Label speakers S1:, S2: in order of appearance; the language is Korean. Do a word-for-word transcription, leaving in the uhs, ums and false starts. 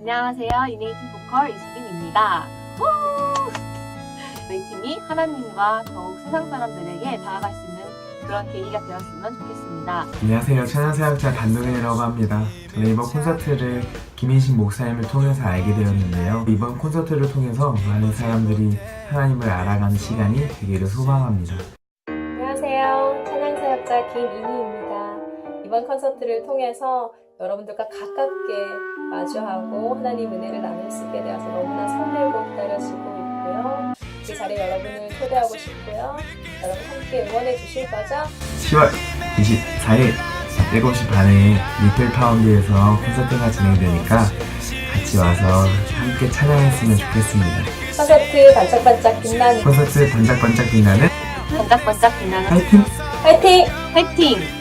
S1: 안녕하세요. 이네이팅 보컬 이수빈입니다. 우! 저희 팀이 하나님과 더욱 세상 사람들에게 다가갈 수 있는 그런 계기가 되었으면 좋겠습니다.
S2: 안녕하세요. 찬양사역자 단동현이라고 합니다. 저는 이번 콘서트를 김인식 목사님을 통해서 알게 되었는데요. 이번 콘서트를 통해서 많은 사람들이 하나님을 알아가는 시간이 되기를 소망합니다.
S3: 안녕하세요. 찬양사역자 김인희입니다. 이번 콘서트를 통해서 여러분들과 가깝게 마주하고 하나님 은혜를 나눌 수 있게 되어서 너무나 설레고 기다려지고 있고요. 그 자리에 여러분을 초대하고 싶고요. 여러분 함께 응원해 주실 거죠?
S2: 시월 이십사일 일곱 시 반에 리틀파운드에서 콘서트가 진행되니까 같이 와서 함께 찬양했으면 좋겠습니다.
S3: 콘서트 반짝반짝 빛나는
S2: 콘서트 반짝반짝 빛나는
S1: 반짝반짝 빛나는
S2: 파이팅!
S3: 화이팅!
S1: 화이팅!